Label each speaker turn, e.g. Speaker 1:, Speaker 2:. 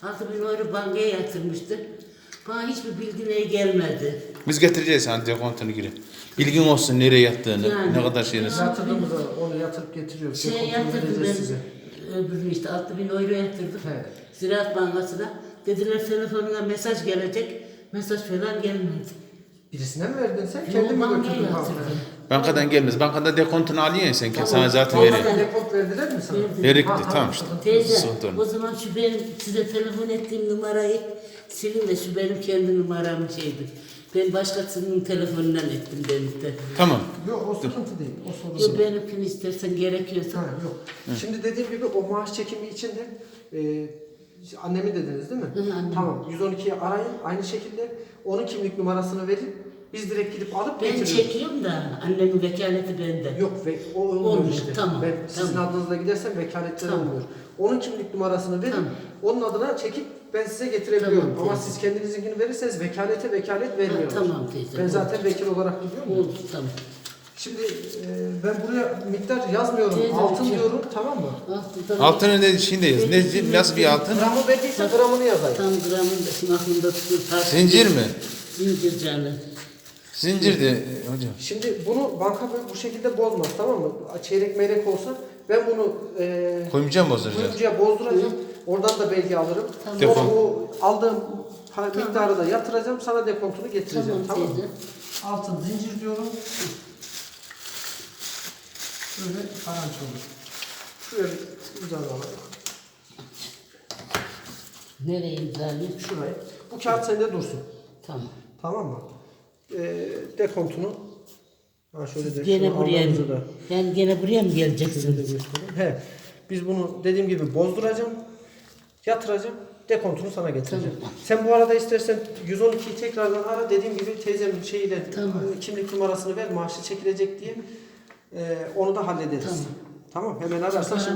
Speaker 1: 6.000 euro bankaya yatırmıştı. Bana hiçbir bilgi gelmedi.
Speaker 2: Biz getireceğiz sana dekontunu geri. Bilgin olsun nereye yattığını,
Speaker 1: Yani,
Speaker 2: ne kadar şeyiniz.
Speaker 3: Yatırdığımızda onu yatırıp getiriyoruz.
Speaker 1: Şey yatırdım ben, öbürünü işte 6.000 euro yatırdım.
Speaker 3: He.
Speaker 1: Ziraat Bankası'na. Dediler telefonuna mesaj gelecek. Mesaj falan gelmedi.
Speaker 3: Birisine mi verdin sen?
Speaker 1: Yo,
Speaker 3: Kendin mi
Speaker 1: bankaya
Speaker 3: götürdün
Speaker 1: yatırdım.
Speaker 3: bankaya?
Speaker 2: Bankadan gelmez. Bankada dekontunu alıyorsun sen.
Speaker 1: Tamam.
Speaker 2: Sana zaten
Speaker 1: Tamam.
Speaker 2: veriyor.
Speaker 3: Depot verdiler mi sana?
Speaker 1: Verdi.
Speaker 2: Verikti
Speaker 3: Ha,
Speaker 2: tamam işte.
Speaker 1: Teyze,
Speaker 2: Sıkıntı olmaz.
Speaker 1: o zaman şu benim size telefon ettiğim numarayı silin de şu benim kendi numaram şeydi. Ben başkasının telefonundan ettim denizde.
Speaker 2: Tamam.
Speaker 3: Yok o sıkıntı değil. O sorun
Speaker 1: Yok
Speaker 3: değil.
Speaker 1: benimkini istersen gerekiyorsa.
Speaker 3: Ha, yok. Şimdi dediğim gibi o maaş çekimi için de annemi dediniz değil mi?
Speaker 1: Hı, annem.
Speaker 3: Tamam. 112'yi arayın. Aynı şekilde onun kimlik numarasını verin. Biz direkt gidip alıp
Speaker 1: Ben
Speaker 3: getiriyoruz.
Speaker 1: çekiyorum da annemin vekaleti bende.
Speaker 3: Yok ve o olmuyor
Speaker 1: Olmuyor,
Speaker 3: işte.
Speaker 1: tamam,
Speaker 3: Ben sizin
Speaker 1: tamam.
Speaker 3: adınızla gidersem vekaletleri
Speaker 1: Tamam.
Speaker 3: olmuyor. Onun kimlik numarasını verin.
Speaker 1: Tamam.
Speaker 3: Onun adına çekip ben size getirebiliyorum.
Speaker 1: Tamam,
Speaker 3: Ama
Speaker 1: teyze.
Speaker 3: siz kendinizinkini verirseniz vekalet vermiyorlar.
Speaker 1: Tamam teyze.
Speaker 3: Ben
Speaker 1: oldu.
Speaker 3: zaten vekil olarak gidiyorum. ya.
Speaker 1: Oldu tamam.
Speaker 3: Şimdi ben buraya miktar yazmıyorum.
Speaker 1: Teyze,
Speaker 3: Altın
Speaker 1: şey-
Speaker 3: diyorum, tamam mı?
Speaker 2: Altını ne şeyinde yaz. Nasıl bir altın?
Speaker 3: Gramı verdiyse gramını yazayım.
Speaker 1: Tam gramın da şimdi aklımda tutuyor.
Speaker 2: Zincir mi?
Speaker 1: Zincir canı.
Speaker 2: Zincir de hocam.
Speaker 3: Şimdi bunu banka bu şekilde bozmaz, tamam mı? Çeyrek meyrek olsa ben bunu
Speaker 2: Koymayacağım bozduracağız.
Speaker 3: kuyumcuya bozduracağım. Oradan da belge alırım.
Speaker 1: Tamam.
Speaker 3: Sonra
Speaker 2: Defol.
Speaker 3: bu aldığım miktarı da yatıracağım. Sana dekontunu getireceğim.
Speaker 1: Tamam
Speaker 3: Tamam,
Speaker 1: teyze.
Speaker 3: mı? Altın zincir diyorum. Böyle karanç olur. Şuraya bir imza alalım.
Speaker 1: Nereye imzalayayım?
Speaker 3: Şuraya. Bu kağıt sende dursun.
Speaker 1: Tamam.
Speaker 3: Tamam mı? Dekontunu. Ha şöyle de
Speaker 1: Gene
Speaker 3: şunu
Speaker 1: buraya
Speaker 3: aldığımızı
Speaker 1: mı?
Speaker 3: da
Speaker 1: Yani gene buraya mı
Speaker 3: size de
Speaker 1: geleceksiniz?
Speaker 3: göstereyim. He. Biz bunu dediğim gibi bozduracağım. Yatıracağım. Dekontunu sana getireceğim.
Speaker 1: Tamam.
Speaker 3: Sen bu arada istersen 112'yi tekrardan ara. Dediğim gibi teyzemin şeyiyle
Speaker 1: Tamam.
Speaker 3: kimlik numarasını ver. Maaşı çekilecek diye. Onu da hallederiz.
Speaker 1: Tamam.
Speaker 3: Tamam. Hemen ararsan şimdi